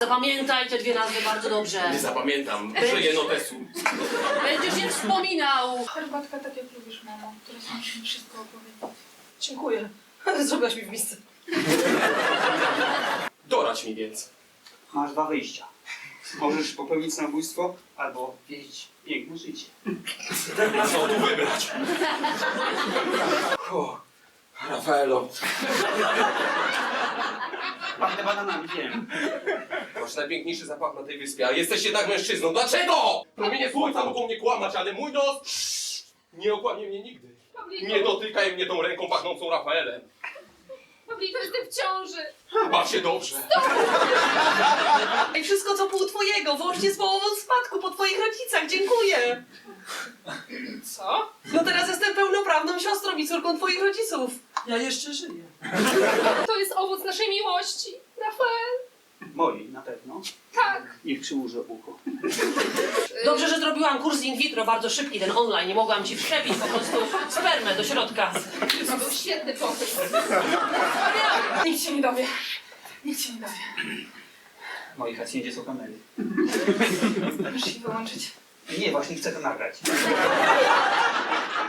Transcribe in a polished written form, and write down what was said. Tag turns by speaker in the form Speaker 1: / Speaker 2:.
Speaker 1: Zapamiętaj te dwie nazwy bardzo dobrze.
Speaker 2: Nie zapamiętam. Żyję notesu.
Speaker 1: Będziesz je wspominał.
Speaker 3: Herbatka tak jak lubisz, mamo. Teraz musimy wszystko opowiedzieć.
Speaker 1: Dziękuję. Zrobiłaś mi w misce.
Speaker 2: Doradź mi więc.
Speaker 4: Masz dwa wyjścia. Możesz popełnić samobójstwo albo wieść piękne życie.
Speaker 2: Co tu wybrać? Rafaelo,
Speaker 4: Pachnę bananami, wiem.
Speaker 2: masz najpiękniejszy zapach na tej wyspie, a jesteś jednak mężczyzną. Dlaczego? Promienie słońca mogą mnie kłamać, ale mój nos nie okłamie mnie nigdy. Nie dotykaj mnie tą ręką pachnącą Rafaelem.
Speaker 3: Pawliko, jestem w ciąży.
Speaker 2: Baw się dobrze.
Speaker 1: I wszystko co pół twojego, włącznie z połową spadku po twoich rodzicach. Dziękuję.
Speaker 3: Co?
Speaker 1: No teraz jestem pełnoprawną siostrą i córką twoich rodziców. Ja jeszcze żyję.
Speaker 3: To jest owoc naszej miłości. Rafael.
Speaker 4: Moi, na pewno.
Speaker 3: Tak.
Speaker 4: Niech przyłożę ucho.
Speaker 1: Dobrze, że zrobiłam kurs in vitro bardzo szybki, ten online. Nie mogłam ci wszczepić po prostu spermę do środka.
Speaker 3: To był świetny pomysł. Nikt się nie dowie. Nikt się nie dowie.
Speaker 4: W mojej hacjendzie są kamery.
Speaker 3: Możesz się wyłączyć.
Speaker 4: Nie, właśnie chcę to nagrać.